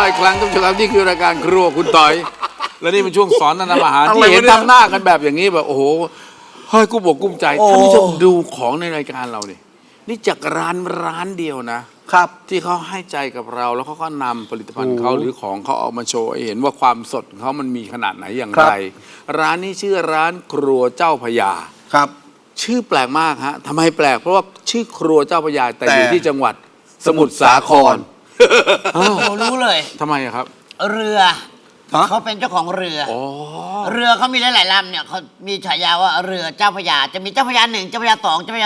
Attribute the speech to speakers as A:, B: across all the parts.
A: ละอีกครั้งท่านผู้ชมครับนี่คือรายการครัวคุณต่อยและนี่เป็นช่วงสอนทำอาหารที่เห็นทำหน้ากันแบบอย่างนี้แบบโอ้โหเฮ้ยกุ้มอกกุ้มใจท่านผู้ชมดูของในรายการเราเนี่ยนี่จากร้านเดียวนะครับที่เขาให้ใจกับเราแล้วเขาก็นำผลิตภัณฑ์เขาหรือของเขาออกมาโชว์ให้เห็นว่าความสดของเขามันมีขนาดไหนอย่างไรร้านนี้ชื่อร้านครัวเจ้าพญา
B: ครับ
A: ชื่อแปลกมากฮะทำไมแปลกเพราะว่าชื่อครัวเจ้าพญาแต่อยู่ที่จังหวัดสมุทรสาคร
C: รู้เลย
A: ทำไมอะครับ
C: เรือเขาเป็นเจ้าของเรือเรือเขามีหลายๆลำเนี่ยเขามีฉายาว่าเรือเจ้าพญาจะมีเจ้าพญา1เจ้าพญา2เจ้าพญา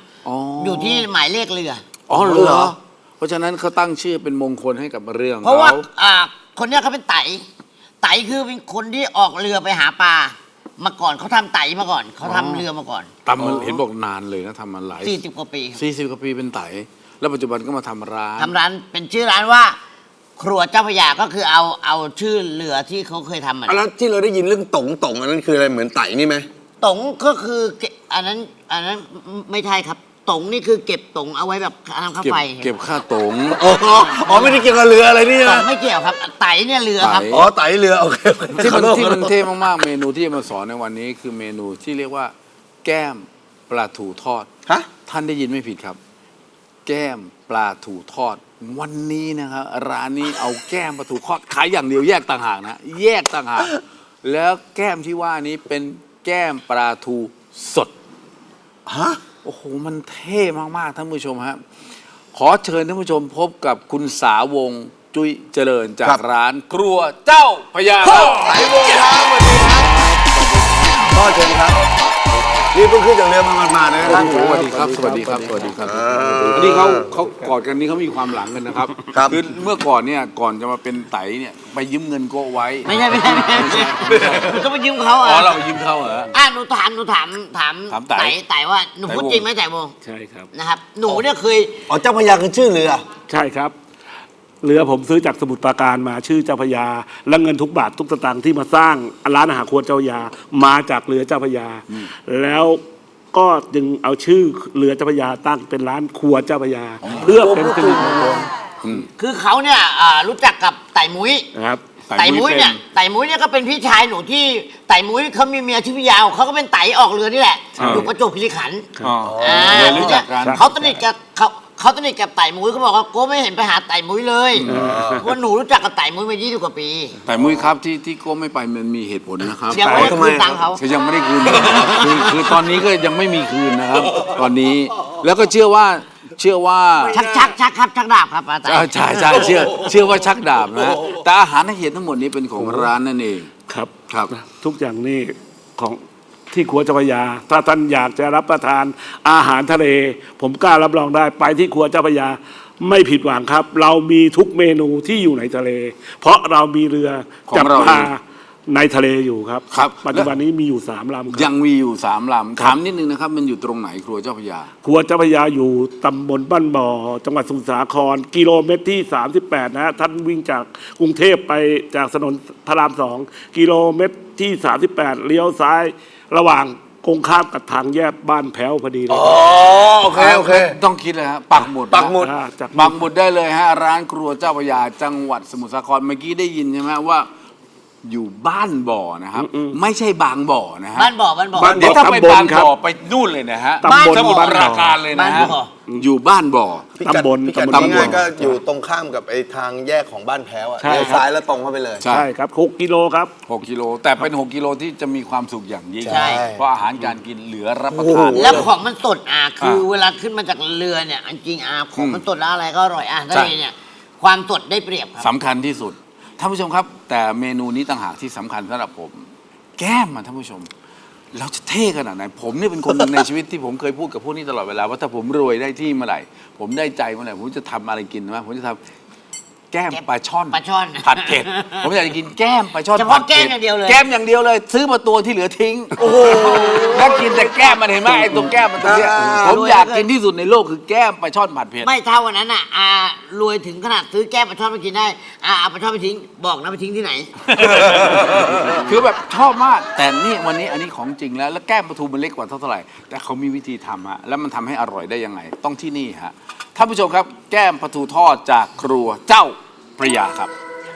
C: 3อยู่ที่หมายเลขเรือ
A: เหรอเพราะฉะนั้นเขาตั้งชื่อเป็นมงคลให้กับเรื่อง
C: เพราะว่าคนเนี้ยเขาเป็นไต่คือเป็นคนที่ออกเรือไปหาปลามาก่อนเขาทำไต่มาก่อนเขาทำเรือมาก่อน
A: ทำมันเห็นบอกนานเลยนะทำมาหลาย
C: 40 กว่าปี
A: 40 กว่าปีเป็นไต่แล้วปัจจุบันก็มาทำร้าน
C: เป็นชื่อร้านว่าครัวเจ้าพญาก็คือเอาชื่อเรือที่เขาเคยทำ
B: แล้วที่เราได้ยินเรื่องต๋งอันนั้นคืออะไรเหมือนไต่นี่ไหม
C: ต๋งก็คืออันนั้นไม่ใช่ครับต๋งนี่คือเก็บต๋งเอาไว้แบบทำค่าไฟ
A: เก็บค่าต๋ง
B: อ๋อไม่ได้เกี่ยวกับเรืออะไรนี่
C: นะต๋งไม่เกี่ยวครับไต่เนี่ยเรือครับ
B: ไต่เรือโอเค
A: ที่มันเท่มากๆเมนูที่มาสอนในวันนี้คือเมนูที่เรียกว่าแก้มปลาทูทอดท่านได้ยินไม่ผิดครับแก้มปลาทูทอดวันนี้นะครับร้านนี้เอาแก้มปลาทูทอดขายอย่างเดียวแยกต่างหากนะแยกต่างหากแล้วแก้มที่ว่านี้เป็นแก้มปลาทูสดโอ้โหมันเท่มากๆท่านผู้ชมครับขอเชิญท่านผู้ชมพบกับคุณสาวงจุ้ยเจริญจากร้านครัวเจ้าพญา
B: สายวงครับสวัสดีครับพ่อเชิญครับนี่เพิ่งขึ้นจากเรือมานะครับ
A: สวัสดีครับสวัสดีครับสวัสดีครับอันนี้เขากอดกันนี่เขามีความหลังกันนะครับคือเมื่อก่อนเนี่ยก่อนจะมาเป็นไตเนี่ยไปยืมเงินโกไว้
C: ไม่ใช่ก็ไปยืมเขา
A: เราไปยืมเขาเหรอ
C: หนูถามไต่ว่าหนูพูดจริงไหมไต่โม
D: ใช่ครับ
C: นะครับหนูเนี่ยเคย
B: เจ้าพญาคือชื่อเรือ
D: ใช่ครับเรือผมซื้อจากสมุทรปราการมาชื่อเจ้าพญาและเงินทุกบาททุกสตางค์ที่มาสร้างร้านอาหารครัวเจ้าพญามาจากเรือเจ้าพญาแล้วก็จึงเอาชื่อเรือเจ้าพญาตั้งเป็นร้านครัวเจ้าพญาเพื่อเป็นสิริมงคล
C: คือเขาเนี่ยรู้จักกับไต่มุ้ย
D: ครับ
C: ไต่มุ้ยเนี่ยก็เป็นพี่ชายหนูที่ไต่มุ้ยเขามีเมียชื่อพี่ยาวเขาก็เป็นไต่ออกเรือนี่แหละอยู่ประจวบคีรีขันธ์
A: รู้จักกัน
C: เขาสนิทกับไต่มุ้ยเขาบอกว่าโก้ไม่เห็นไปหาไต่มุ้ยเลยว่าหนูรู้จักกับไต่มุ้ยมา20 กว่าปี
A: ไต่มุ้ยครับที่โก้ไม่ไปมันมีเหตุผลนะครับ
C: ยังไม่ได้คืนตังค์เขา
A: ยังไม่ได้คืนคือตอนนี้ก็ยังไม่มีคืนนะครับตอนนี้แล้วก็เชื่อว่า
C: ชักดาบครับอาจารย์
A: ใช่เชื่อว่าชักดาบนะแต่อาหารที่เห็นทั้งหมดนี้เป็นของร้านนั่นเอง
D: ครับทุกอย่างนี่ของที่ครัวเจ้าพญาถ้าท่านอยากจะรับประทานอาหารทะเลผมกล้ารับรองได้ไปที่ครัวเจ้าพญาไม่ผิดหวังครับเรามีทุกเมนูที่อยู่ในทะเลเพราะเรามีเรือจับปลาในทะเลอยู่ครับปัจจุบันนี้มีอยู่3 ลำ
A: ยังมีอยู่3 ลำถามนิดนึงนะครับมันอยู่ตรงไหนครัวเจ้าพญา
D: ครัวเจ้าพญาอยู่ตำบลบ้านบ่อจังหวัดสมุทรสาครกิโลเมตรที่38นะท่านวิ่งจากกรุงเทพไปจากถนนพระราม2กิโลเมตรที่38เลี้ยวซ้ายระหว่างกงข้ามกับทางแยกบ้านแพ้วพอดีเลย
B: โอเค
A: ต้องคิดเลยฮะปักหมุดได้เลยฮะร้านครัวเจ้าพญาจังหวัดสมุทรสาครเมื่อกี้ได้ยินใช่ไหมว่าอยู่บ้านบ่อนะครับไม่ใช่บางบ่อนะฮะ
C: บ้านบ่อ
A: เดี๋ยวถ้าไปบางบ่อไปนู่นเลยนะฮะสมุทรปราการเลยนะฮะอยู่บ้านบ่อ
B: ตำบลง่ายก็อยู่ตรงข้ามกับไอ้ทางแยกของบ้านแพ้วเลี้ยวซ้ายแล้วตรงเข้าไปเลย
D: ใช่ครับ6 กิโลครับ
A: 6 กิโลแต่เป็น6 กิโลที่จะมีความสุขอย่างยิ่งเพราะอาหารการกินเหลือรับประทาน
C: แล้วของมันสดคือเวลาขึ้นมาจากเรือเนี่ยจริงของมันสดแล้วอะไรก็อร่อยทะเลเนี่ยความสดได้เปรียบครับ
A: สำคัญที่สุดท่านผู้ชมครับแต่เมนูนี้ต่างหากที่สำคัญสำหรับผมแก้มท่านผู้ชมเราจะเท่ขนาดไหนผมนี่เป็นคนหนึ่งในชีวิตที่ผมเคยพูดกับพวกนี้ตลอดเวลาว่าถ้าผมรวยได้ที่เมื่อไหร่ผมได้ใจเมื่อไหร่ผมจะทำอะไรกินนะผมจะทำแก้มปลาช่อนผัดเผ็ดผมอยากจะกินแก้มปลาช่อน
C: ผัดเผ็ดแก้มอย่างเดียว
A: เลยซื้อมาตัวที่เหลือทิ้งโอ้โหแล้วกินแต่แก้มมันเห็นไหมไอ้ตัวแก้มมันตัวเนี้ยผมอยากกินที่สุดในโลกคือแก้มปลาช่อนผัดเผ็ด
C: ไม่เท่าวันนั้นรวยถึงขนาดซื้อแก้มปลาช่อนมากินได้เอาปลาช่อนไปทิ้งบอกนะไปทิ้งที่ไหน
A: คือแบบชอบมากแต่นี่วันนี้อันนี้ของจริงแล้วแก้มปลาทูมันเล็กกว่าเท่าไหร่แต่เขามีวิธีทำฮะแล้วมันทำให้อร่อยได้ยังไงต้องที่นี่ฮะท่านผู้ชมครับแก้มปลาทูทอดจากครัวเจ้าพระยาครับ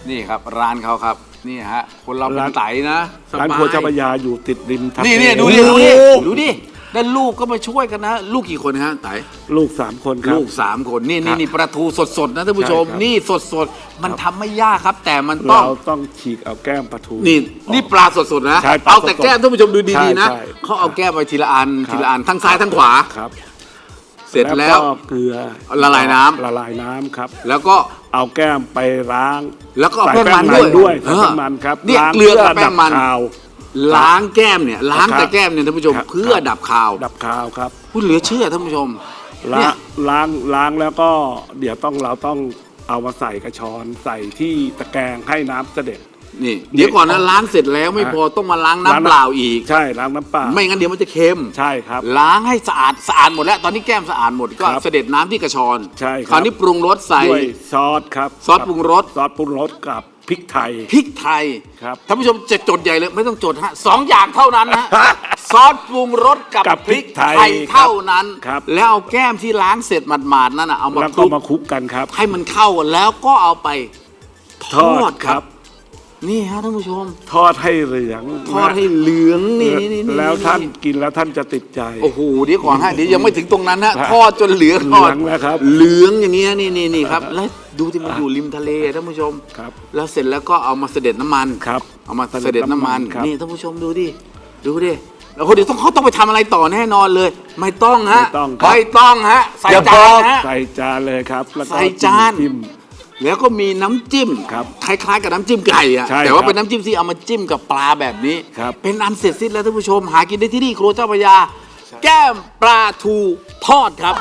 A: นี่ครับร้านเขาครับนี่ฮะคนเราเป็นไตนะสบาย
D: ร้านครัวเจ้าพระยาอยู่ติดริมทะเล
A: นี่ดูดิด้านลูกก็มาช่วยกันนะ ลูกกี่คนฮะไต
D: ลูก3 คนครับ
A: ลูก3 คนนี่ปลาทูสดๆนะท่านผู้ชม
D: ใช่ครับ
A: นี่สดๆมันทำไม่ยากครับ แต่มันต้อง
D: เราต้องฉีกเอาแก้มปลาทู
A: นี่ปลาสดๆนะ
D: ใช่ปลา
A: เอา
D: สดๆ
A: แต่แก้มท่านผู้ชมดูดีๆนะ
D: ใช่
A: เขาเอาแก้มไปทีละอัน
D: ครับ
A: ทีละอันทั้งซ้ายทั้งขวา
D: ครับ
A: เสร็จแล้ว
D: ก็เกลือ
A: ละลายน้ำ
D: ละลายน้ำครับ
A: แล้วก็
D: เอาแก้มไปล้าง
A: แล้วก็เอา
D: ใส่
A: แป้งมันด้วย
D: ใส่แป้งมันครับ
A: เนี่ย
D: ล้าง
A: เกลือกับแป้งมัน
D: เพื่อดับคาว
A: ล้างแก้มเนี่ยล้าง
D: ครับ
A: แต่แก้มเนี่ยท่านผู้ชม
D: ครับ
A: เพื่อดับคาว
D: ดับคาวครับ
A: พูดเหลือเชื่อท่านผู้ชม
D: ล้า
A: เนี่
D: ง
A: ย
D: ล้างแล้วก็เดี๋ยวเราต้องเอามาใส่กระชอนใส่ที่ตะแกรงให้น้ำเสด็จ
A: นี่เดี๋ยวก่อนนะล้างเสร็จแล้วไม่พอต้องมาล้างน้ำเปล่าอีก
D: ใช่ล้างน้ำเปล่า
A: ไม่งั้นเดี๋ยวมันจะเค็ม
D: ใช่ครับ
A: ล้างให้สะอาดหมดแล้ว ตอนนี้แก้มสะอาดหมดก็
D: ครับ
A: เสด็จน้ำที่กระชอน
D: ใช่ครับ
A: คราวนี้ปรุงรสใส่
D: ด้วยซอสครับ
A: ซอสปรุงรส
D: ซอสปรุงรสกับพริกไทย
A: พริกไทย
D: ครับ
A: ท่านผู้ชมจะจดใหญ่เลยไม่ต้องจดฮะ2 อย่างเท่านั้นนะซอสปรุงรสกับ
D: กับ
A: พริกไท
D: พริ
A: ย
D: กไทย
A: เท่านั้น
D: ครับ
A: แล้วเอาแก้มที่ล้างเสร็จหมาดๆนั่นนะเอามา
D: แล้ว
A: ค
D: ก็
A: ลุก
D: มาคลุกกันครับ
A: ให้มันเข้ากันแล้วก็เอาไปทอดครับ นี่ฮะท่านผู้ชม
D: ทอดให้เหลือง
A: ทอดให้เหลืองนี่
D: แล้วท่านกินแล้วท่านจะติดใจ
A: โอ้โหเดี๋ยวก่อนฮะเดี๋ยวยังไม่ถึงตรงนั้นฮะ
D: ครับ
A: ทอดจนเหลือง
D: เหลืองแล้วครับ
A: เหลืองอย่างเงี้ยนี่ครับแล้วดูที่มันอยู่ริมทะเลท่านผู้ชม
D: ครับ
A: แล้วเสร็จแล้วก็เอามาเสด็จน้ำมัน
D: ครับ
A: เอามาเสด็จน้ำมัน
D: ครับ
A: นี่ท่านผู้ชมดูดิแล้วคนเดี๋ยวเขาต้องไปทำอะไรต่อแน่นอนเลย ไม่ต้องฮะ
D: ไม่ต้องครับ
A: ไม่ต้องฮะใส่
B: อย่า
A: จา
B: บอก
A: นฮะ
D: ใส่จานเลยครับแล้วก็
A: ใส่จาน
D: จิ้ม
A: แล้วก็มีน้ำจิ้ม
D: ครับ
A: คล้ายๆกับน้ำจิ้มไก่อะ
D: ใช่
A: แต่ว่า
D: ครับ
A: เป็นน้ำจิ้มที่เอามาจิ้มกับปลาแบบนี้
D: ครับ
A: เป็นอันเสร็จสิ้นแล้วท่านผู้ชม หากินได้ที่นี่ครัวเจ้าพระยา แก้มปลาทูทอดครับ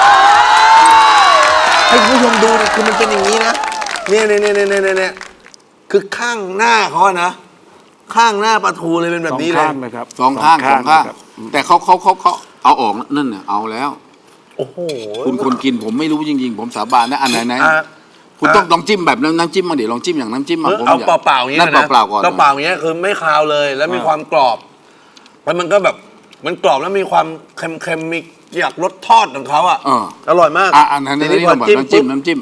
B: ให้คุณผู้ชมดูดิคือมันเป็นอย่างนี้นะเนี่ยคือข้างหน้าเขาอะนะ ข้างหน้าปลาทูเลยเป็นแบบนี้เลย
D: สองข้างเลยครับ
A: สองข้าง
D: นะครับ
A: แต่เขาเอาออกนั่นน่ะเอาแล้ว
B: โอ้โห
A: คุณคนกินผมไม่รู้จริงๆ ผมสาบานนะอันไหน
B: อ่ะ
A: คุณต้องลองจิ้มแบบน้ำจิ้มมาเดี๋ยวลองจิ้มอย่างน้ำจิ้มมาผม
B: เอา
A: อยก
B: เปล่าๆอย่างนี้
A: นั่น
B: นะ
A: เปล่าๆก่อน
B: เปล่าๆอย่างเงี้ยคือไม่คาวเลยแล้วมีความกรอบแล้วมันก็แบบมันกรอบแล้วมีความเค็มๆมีอยากรสทอดของเขาอ่ะ
A: เออ
B: ร่อยมาก
A: อันนั้น
B: ที
A: นี่
B: พอ
A: แบบ
B: จิ้ม
A: น้ำจิ้
B: ปุ๊
A: ม
B: บ
A: น้ำจิ้ม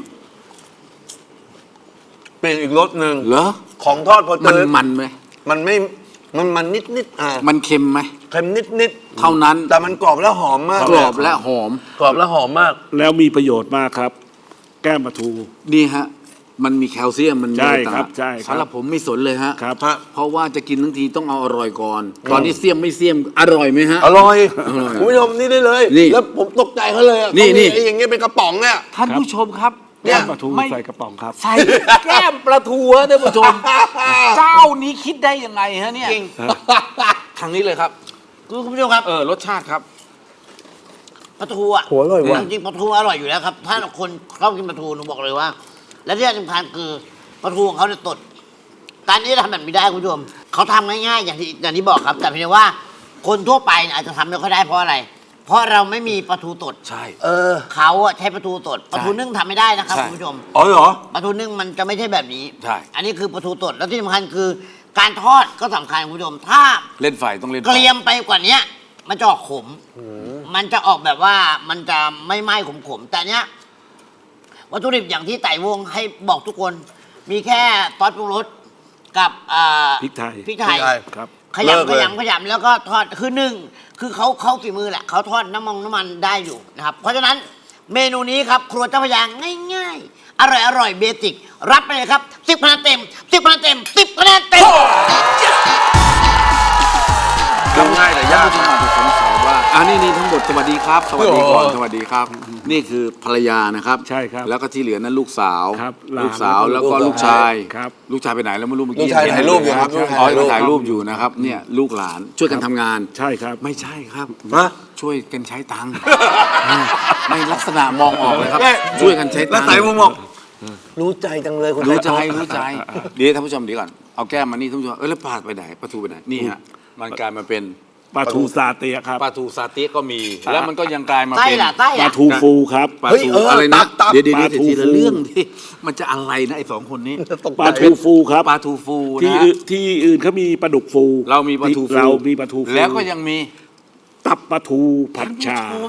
B: เป็นอีกรสหนึ่ง
A: เหรอ
B: ของทอดพอเจ
A: มัน
B: อ
A: มันไหม
B: มันไม่มันนิดๆ
A: มันเค็มไหม
B: เค็มนิดๆ
A: เท่านั้น
B: แต่มันกรอบและหอมมาก
A: กรอบและหอม
B: กรอบและหอมมาก
D: แล้วมีประโยชน์มากครับ แก้มปลาทู
A: นี่ฮะ มันมีแคลเซียมมันมี
D: ใช่
A: ต่าง
D: ครับใช่ครับ
A: สำหรับผมไม่สนเลยฮะ
D: ครับ
B: ฮะ
A: เพราะว่าจะกินทั้งทีต้องเอาอร่อยก่อน ตอนนี้เสียมไม่เสียมอร่อยไหมฮะ
B: อร่อย
A: อร่อย
B: คุณผู้ชมนี่ได้เลย
A: นี่
B: แล้วผมตกใจเขาเลยอะ
A: นี่
B: เขามี
A: นี่
B: ไอ้อย่างเงี้ยเป็นกระป๋องเนี่ย
A: ท่านผู้ชมครับ
B: เนี่
D: แก้
B: ย
D: มปลาทู
A: ไม่
D: ใส่กระป๋องครับ
A: ใส่แก้มปลาทูฮะท่านผู้ชม เจ้านี้คิดได้ยังไงฮะเนี่ย
C: จริง
A: ทางนี้เลยครับ
C: คุณผู้ชมครับ
A: รสชาติครับ
C: ปลาทูอ่ะ
B: โหอร่อยว่ะ
C: จริงๆปลาทูอร่อยอยู่แล้วครับ ถ้าคนชอบกินปลาทูหนูบอกเลยว่า และที่สำคัญคือปลาทูของเขาเนี่ยตดการนี้ทำแบบนี้ได้คุณผู้ชมเขาทำง่ายๆอย่างที่บอกครับ แต่เพียงว่าคนทั่วไปเนี่ยอาจจะทำไม่ค่อยได้เพราะอะไร เพราะเราไม่มีปลาทูตด
A: ใช่
C: เขาอะใช้ปลาทูตดปลาทูนึ่งทำไม่ได้นะครับ
A: ใช่
C: คุณผู้ชม
B: อ๋อเหรอ
C: ปลาทูนึ่งมันจะไม่ใช่แบบนี้
A: ใช่
C: อันนี้คือปลาทูตดแล้วที่สำคัญคือ การทอดก็สำคัญคุณผู้ชม ถ้า
A: เล่นไฟต้องเล่นไฟ
C: เกรียมไปกว่านี้มันจะออกขม มันจะออกแบบว่ามันจะไม่ไหม้ขมๆ แต่เนี้ยวัตถุดิบอย่างที่ไต่วงให้บอกทุกคน มีแค่ซอสปรุงรสกับ
D: พริกไทย
C: พริกไทย
D: ครับ
C: ขยำแล้วก็ทอดคือหนึ่งคือเขาฝีมือแหละเขาทอดน้ำมันได้อยู่นะครับ เพราะฉะนั้นเมนูนี้ครับ ครัวเจ้าพระยาง่ายๆ อร่อยเบสิกรับไปเลยครับ10 คะแนนเต็ม10 คะแนนเต็ม10 คะแนนเต็ม
B: ทำง่ายแต่ยาก
A: ท่านผู้ชมอาจจะสงสัยว่านี่ทั้งหมดสวัสดีครับ สวัสดีก่อน
B: โอ้โห
A: สวัสดีครับ นี่คือภรรยานะครับ
D: ใช่ครับ
A: แล้วก็ที่เหลือนั้นลูกสาว
D: ครับหลาน
A: ลูกสาวแล้วก็
B: ลู
A: ลู
B: ก
A: ก
B: ชา
A: ชาย ย
D: ครับ
A: ลูกชายไปไหนแล้วไม่รู้เมื่อกี้
B: ลูกชายถ่ายรูปอยู่ครับ
A: อ๋อ
B: ลูกชายถ่ายรูป
A: ถ่ายรูปอยู่นะครับเนี่ยลูกหลานช่วยกันทำงาน
D: ใช่ครับ
A: ไม่ใช่ครับ
B: ฮะ
A: ช่วยกันใช้ตังค์ไม่ลักษณะมองออกเลยครับ
B: เอ้ย
A: ช่วยกันใช้
B: แล้
A: ตั
B: ว
A: งค์
B: ไต่ผมบอกรู้ใจจังเลยคุณ
A: รู้ใจ
B: ไต่
A: รู้ใจเดี๋ยวท่านผู้ชมเดี๋ยวก่อนเอาแก้มมานี่ท่านผู้ชมแล้วปลาไปไหนปลาทูไปไหนนี่ฮะมันกลายมาเป็น
D: ปลาทูซาเตียครับ
A: ปลาทูซาเต๊ะก็มี แล้วมันก็ยังกลายมา
C: ไส้
A: เป็น
C: ล่ะไส้
D: ปลา
C: อะ
D: ทูฟูครับ
A: ปลา
B: เฮ้ย
A: ทูอะไรนะ
B: ตับ
A: เดี๋ยว
D: ปลาทู
A: ทีละ
D: ฟู
A: เรื่องที่มันจะอะไรนะไอ้สองคนนี้
B: ตกใจ
D: ปลาทูฟูครับ
A: ปลาทูฟู
D: ที่
A: นะ
D: ที่อื่นเขามีปลาดุกฟู
A: เรามีปลาทูฟู
D: เรามีปลาทูฟู
A: แล้วก็ยังมี
D: ตับปลาทูผัดชา
A: ท่านผู้ชม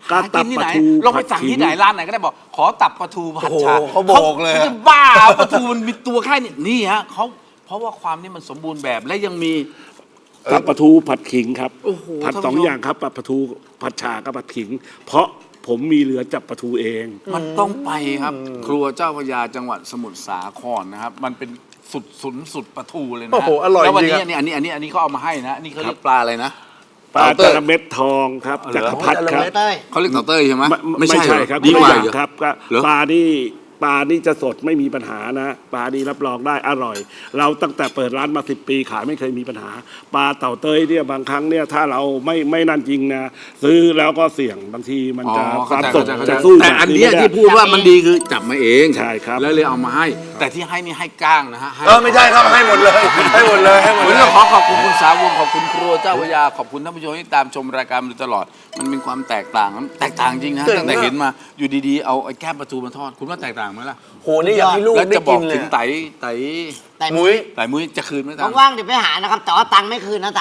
D: ก็
A: หา
D: ตั
A: กิ
D: บ
A: นที่
D: ป
A: ไหน
D: ลาทู
A: ลองไปสั่งที่ไหนร้านไหนก็ได้บอก ขอตับปลาทูผัดฉ่า
B: โอ้โหเขาบอกเลยอะ
A: ขาจะบ้าเอาปลาทูมันมีตัวแค่นี้นี่ฮะเขาเพราะว่าความนี่มันสมบูรณ์แบบและยังมี
D: ตับปลาทูผัดขิงครับ
A: โอ้โห
D: ผัด
A: ท่าน
D: สอง
A: ผู้ชม
D: อย่างครับปลาทูผัดฉ่ากับผัดขิง เพราะผมมีเรือจับปลาทูเอง
A: มันต้องไปครับ ครัวเจ้าพระยาจังหวัดสมุทรสาครนะครับ มันเป็นสุดปลาทูเลยนะ
B: โอ้โหอร่อย
A: แล้ววัน
B: จริ
A: นี้
B: งอะ
A: อันนี้เขาเอามาให้นะนี่เขาเรียกปลาอะไรนะ
D: ปลา
A: เต่าเต้
D: จ
A: ย
D: ระเม็ดทองครับ
A: อ๋อเหรอ
D: จักรพรรดิครับ
C: เต้ย
A: เขาเรียกเต่าเต้ยใช่ไหม
D: ไม่ใช่
A: เหอ
D: ครับ
A: ดีกว่า
D: คนละ
A: เหร
D: อย่
A: อ
D: ครับก็
A: เหรอ
D: ปลานี่จะสดไม่มีปัญหานะปลานี่รับรองได้อร่อย เราตั้งแต่เปิดร้านมา10 ปีขายไม่เคยมีปัญหา ปลาเต่าเต้ยเนี่ยบางครั้งเนี่ยถ้าเราไม่นั่นจริงนะซื้อแล้วก็เสี่ยงบางทีมันจะ
A: อ๋อ
D: ความ
A: เข้า
D: ส
A: ใจ
D: ด
A: เข้าใจ
D: จะสู้
A: แต่อันเนี้ย
D: แบบ
A: ที่พูดว่ามันดีคือจับมาเอง
D: ใช่ครับ
A: แล้วเลยเอามาให้ แต่ที่ให้นี่ให้ก้างนะฮะให้
B: ไม่ใช่ครับให้หมดเลย ให้หมดเลยให้หมด
A: วัน
B: เล
A: นี้
B: ย
A: เราขอขอบคุณคุณสาวงขอบคุณครัวเจ้าพระยาขอบคุณท่านผู้ชมที่ตามชมรายการมาโดยตลอด มันมีความแตกต่างจริงนะ
B: เจ๋ง
A: ตั้งแต่
B: มาก
A: เห็นมาอยู่ดีๆเอาไอ้แก้มปลาทูมาทอดคุณว่าแตกต่างไหมล่ะ
B: โหนี่อยากให้ลูก
A: แล้ว
B: ได้
A: จะบอ
B: กิ
A: ก
B: นเล
A: ถึ
B: ย
A: งไต่
C: แต่
B: มุ้ย
A: มุ้ยจะคืนไหมตาม
C: ว่างๆเดี๋ยวไปหานะครับ แต่ว่าตังค์ไม่คืนนะไต่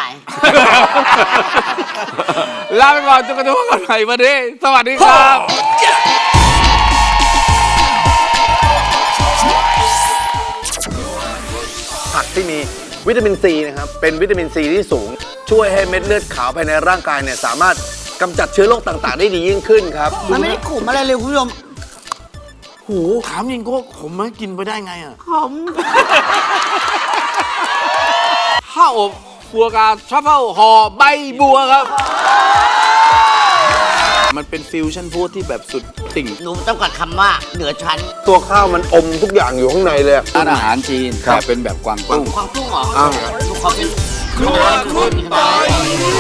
A: ลาไปก่อนจนกระทั่งวันใหม่วันนี้สวัสดีครับ
B: ผักที่มีวิตามินซีนะครับ เป็นวิตามินซีที่สูง ช่วยให้เม็ดเลือดขาวภายในร่างกายเนี่ยสามารถกำจัดเชื้อโรคต่างๆ ได้ดียิ่งขึ้นครับ
C: มันไม่ได้ขมอะไรเลยคุณผู้ชม
A: หูถามยิงโก้ผมไม่กินไปได้ไงอ่ะ
C: ขม
A: ข้าวอบฟัวกาทรัฟเฟิลห่อใบบัวครับ มันเป็นฟิวชั่นฟู้ดที่แบบสุดติ่ง
C: หนูต้องกัดคำว่าเหนือชั้น
B: ตัวข้าวมันอมทุกอย่างอยู่ข้างในเลย
A: ร้านอาหารจีน
B: ครับ
A: แต่เป็นแบบกวางตุ้ง
C: ความตุ้งเหรอ
B: อ้าว
C: หนูขอเป็น
A: ครัวคุณปอย